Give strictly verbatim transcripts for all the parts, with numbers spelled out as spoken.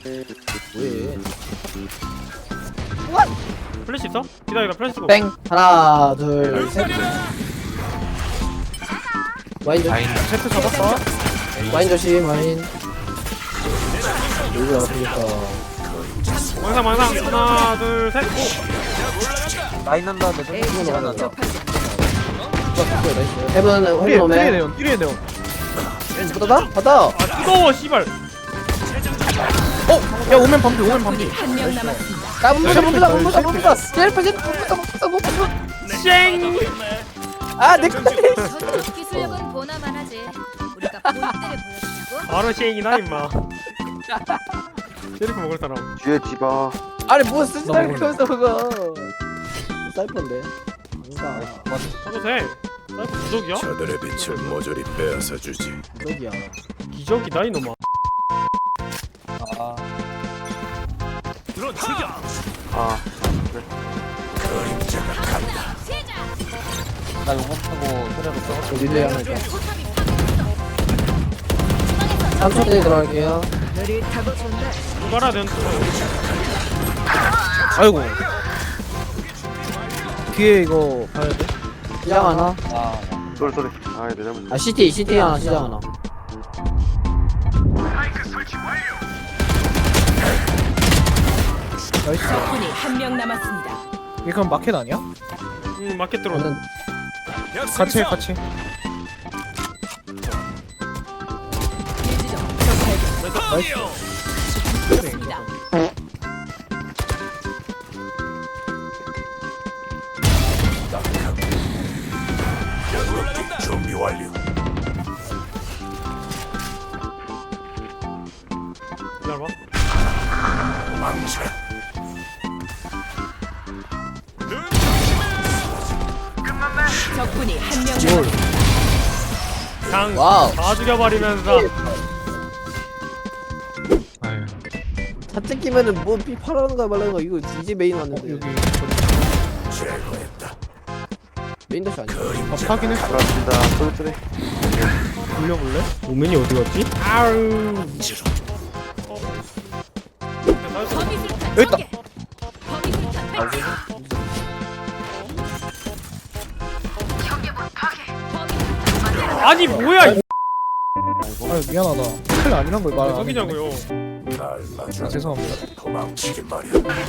뭐해? 플래시 있어? 기다려 나 플래시 쓰고. 뺑 하나 둘셋 와인 조심 라인 세트 잡았어. 와인 조심 와인 여기가 아프겠다 망상 망상 하나 둘 셋. 오. 라인 한다. 내 좀. 이거 나간다 해븐 해븐 오네 네온. 띠리에 네온. 받아? 받아! 아 뜨거워 씨발. 어, 야 오면 밤비 오면 밤비. 한명 남았습니다. 나 문부다 문부다 문부다 문부다 제일 빨리 문부다 문부다 문부다 쌩. 아내 거 저쪽 기술력은 보나만 하지. 우리가 볼 때를 보여주냐고? 바로 쌩이나 임마. 쉐리프 먹을 사람. 뒤에 디바. 아니 뭐 쓰지 말고 그러면서 그거 사이퍼인데 아니다 저도 돼. 사이프 부족이야? 저들의 빛을 모조리 빼앗아 주지. 여기야 기적이다 이놈아. 아, 아, 그림자가 간다. 나 용검 타고 트레로 써. 저 릴레이 하나 할까 삼 초 뒤에 들어갈게요 누가라 된. 아이고. 뒤에 이거 봐야 돼. 시장 하나 아, 쏘리 쏘리. 아, 내 잘못. 아 시티 시티 하나 시장 하나 나이스. 적군이 한명 남았습니다. 이게 그럼 마켓 아니야? 응 마켓 들어. 저는 같이 해, 같이. 일지점 적 발견. 나이스. 좋습니다. 준비 완료. 기다려봐. 망쳐. 적군이 한명 남았습니다. 그냥 와우 다 죽여버리면서. 아유. 다 뜯기면은 뭐 삐 팔아는가 말라는가 이거 이제 메인 어, 왔는데 여기 제거했다. 메인 다시 아니야 밥 하긴 했어. 들어왔습니다. 쏘리 쏘리. 돌려볼래? 오men이 어디 갔지? 아우. 범위술탄 여기 있다. 전개. 범위술탄 배치. 아니 뭐야 이 아유 미안하다. 칼 아니란 걸 말. 안 했네. 속이냐고요. 날 맞아. 아, 죄송합니다. 도망치기 마련.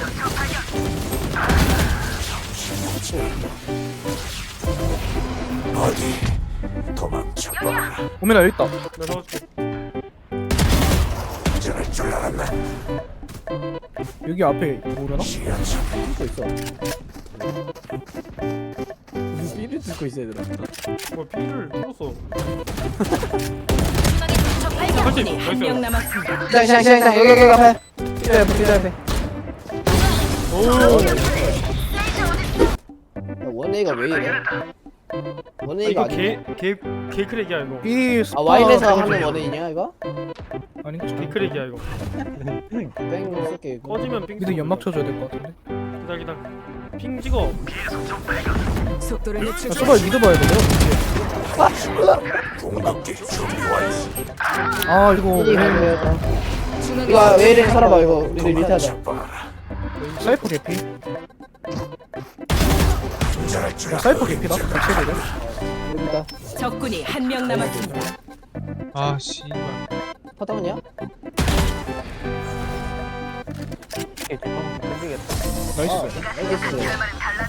어디 도망쳐 봐라. 오면 여기 있다. 내가 사줄게. 저럴 줄 알았나? 여기 앞에 모르나? 지하철. 뚫고 있어 무슨 삐를 뚫고 있어 얘들아 뭐 피를 뚫었어. 적 발견. 적군이 나이스. 한명 남았습니다. 시장 시장 시장 시장 여기 여기 앞에 피자 옆에 피자 옆에 원에이가 왜 이래? 아, 원에이가 이거 아니야 개개 개크랙이야 이거. B 스파. 아 와인에서 하는 원에이냐 이거? 아닌가? 개크랙이야 이거. 뺑 쏠게 이거 꺼지면 삥. 미드 연막 쳐줘야 될 것 같은데. 기다 기다. 핑 찍어. 속도를 야, 늦추기. 소발 미드 봐야 돼요. 궁극기 준비 완료. 아 이거 이리 가야 중앙에 이거 왜 이래 살아봐 이거 우리 리타하자 봐라. 사이퍼 개피. 저럴 줄 야 알았나? 사이퍼 개피다. 같이 해야 돼. 여기다 적군이 한명 남았습니다. 아 씨발. 파타고니야? 나이스. 알겠어